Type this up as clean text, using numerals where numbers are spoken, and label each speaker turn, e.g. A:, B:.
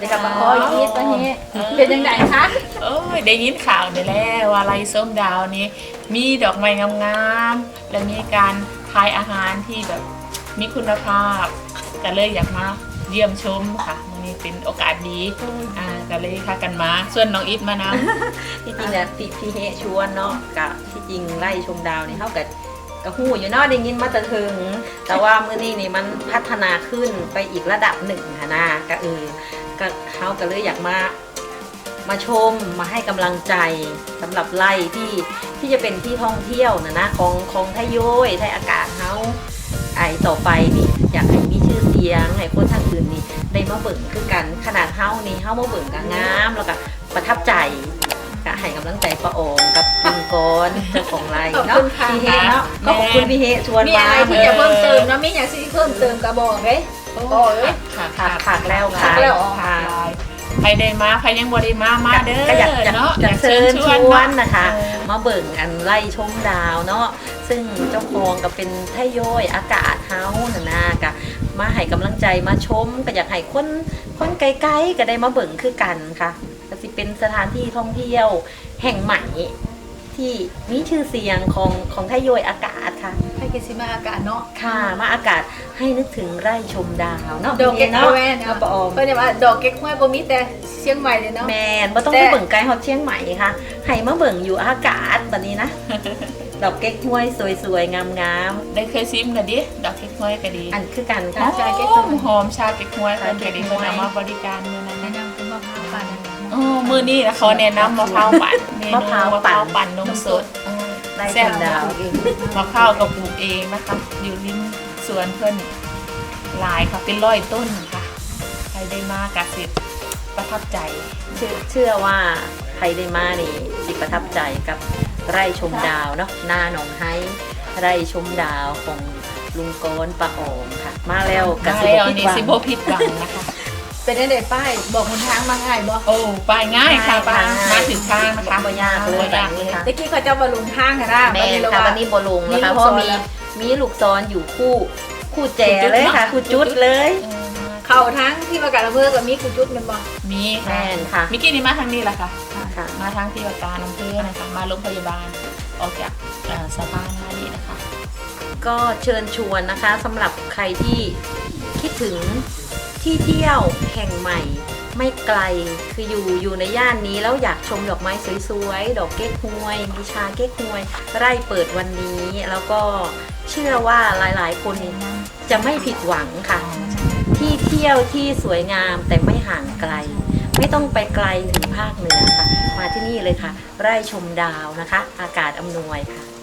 A: กับมาคอยคิดว่านี้เป็นยังไงคะ
B: โอ้ยได้ยินข่าวนี่แหละว่าไรส้มดาวนี้มีดอกไม้งามๆและมีการทายอาหารที่แบบมีคุณภาพก็เลยอยากมาเยี่ยมชมค่ะวันนี้เป็นโอกาสดีก็เลยพากันมาส่วนน้องอิทมานะ
C: ที่จริงเนี่ยพี่เฮชวนเนาะกับที่จริงไล่ชมดาวเนี่ยเท่ากับหูอยู่เนาะได้ยินมาแต่ถึงแต่ว่ามื้อนี้นี่มันพัฒนาขึ้นไปอีกระดับหนึ่งค่ะนะก็ก็เขาก็เลยอยากมาชมมาให้กำลังใจสำหรับไล่ที่จะเป็นที่ท่องเที่ยวนะของไทยโย้ยไทยอากาศเขาต่อไปนี่อยากให้มีชื่อเสียงให้คนทางอื่นนี่ได้มาเบิ่งคือกันขนาดเฮานี่เฮามาเบิ่งกับงามแล้วก็ประทับใจก็ให้กำลังใจป้าโอมกับคุณกรเจ้าของไร่เนาะพี่เฮเนาะก็ขอบคุณพี่เฮชวนมา
A: มีอะไรที่จะเพิ่มเติมนะมีอย่างที่เพิ่มเติมกระบอกเลย
C: ขาดแล้วค่ะ
B: ใครได้มาใครยังบ่ได้มาเด้อ
C: ก็อยาก
B: เนาะ
C: เชิญชวนนะคะมาเบิ่งอันไล่ชมดาวเนาะซึ่งเจ้าของก็เป็นไทยโย้ยอากาศเฮาน่ะนะก็มาให้กำลังใจมาชมก็อยากให้คนไกลๆก็ได้มาเบิ่งคือกันค่ะก็สิเป็นสถานที่ท่องเที่ยวแห่งใหม่ที่มีชื่อเสียงของไทยโย้ยอากาศค่ะ
A: ให้กิซิมาอากาศเนาะ
C: ค่ะมาอากาศให้นึกถึงไร่ชมดาวเนาะ
A: ดอกเก๊กฮวย
C: เนาะปอม
A: เพิ่นว่าดอกเก๊กฮวยบ่มีแต่เชียงใหม่เลยเนาะ
C: แม่นบ่ต้องไปเบิ่งไกลฮอดเชียงใหม่ค่ะให้มาเบิ่งอยู่อากาศบัดนี้นะดอกเก๊กฮวยสวยๆงาม
B: ๆได้เคยซิมกันดิดอกเก๊กฮวยก็ดี
C: อันคือกันค่ะ
B: ชาเก๊กหอมชาเก๊กฮวยคนก็ดีเพิ่นเอามาบริการมื้อนั้น
A: แนะนำคือมะพร้าวปั่น
B: มื้อนี้นะเขาแนะนำมะพร้าวปั่นมะพร้าวปั่นนมสด
C: แซ่บดาว
B: มะพร้าวก็ปลูกเองนะคะอยู่ริมสวนเพิ่นหลายค่ะเป็น100 ต้นค่ะใครได้มากะสิประทับใจ
C: เชื่อว่าใครได้มานี่สิประทับใจกับไร่ชมดาวเนาะหน้าหนองไฮไร่ชมดาวของลุงโกนป้าโอมค่ะมาแล้วกะ
B: สิบ่ผิดหวังนะคะ
A: เป็นได้ป้ายบอกคนทางมาง่ายบ่
B: โอ้ป้ายง่ายค่ะป้ามาถึงทางนะคะ
C: บ่ยากเลยแบบนี้ค่ะ
A: ตะกี้เขาจะบ่ลงทางค่ะนะ
C: แม่ค่ะวันนี้บ่ลงนะคะเพราะมีลูกซ้อนอยู่คู่แจเลยค่ะคู่จุดเลย
A: เข้าทั้งที่ประกาศอำเภอกับมีคู่จุดมันบ่
B: มี
C: แม่ค่ะ
B: มิกี้นี่มาทางนี้แหละค่ะมาทางที่ประกาศอำเภอนะคะมาโรงพยาบาลออกจากสะพานนี้นะคะ
C: ก็เชิญชวนนะคะสำหรับใครที่คิดถึงที่เที่ยวแห่งใหม่ไม่ไกลคืออยู่ในย่านนี้แล้วอยากชมดอกไม้สวยๆดอกเก๊กฮวยมีชาเก๊กฮวยไร่เปิดวันนี้แล้วก็เชื่อว่าหลายๆคนจะไม่ผิดหวังค่ะที่เที่ยวที่สวยงามแต่ไม่ห่างไกลไม่ต้องไปไกลถึงภาคเหนือค่ะมาที่นี่เลยค่ะไร่ชมดาวนะคะอากาศอำนวยค่ะ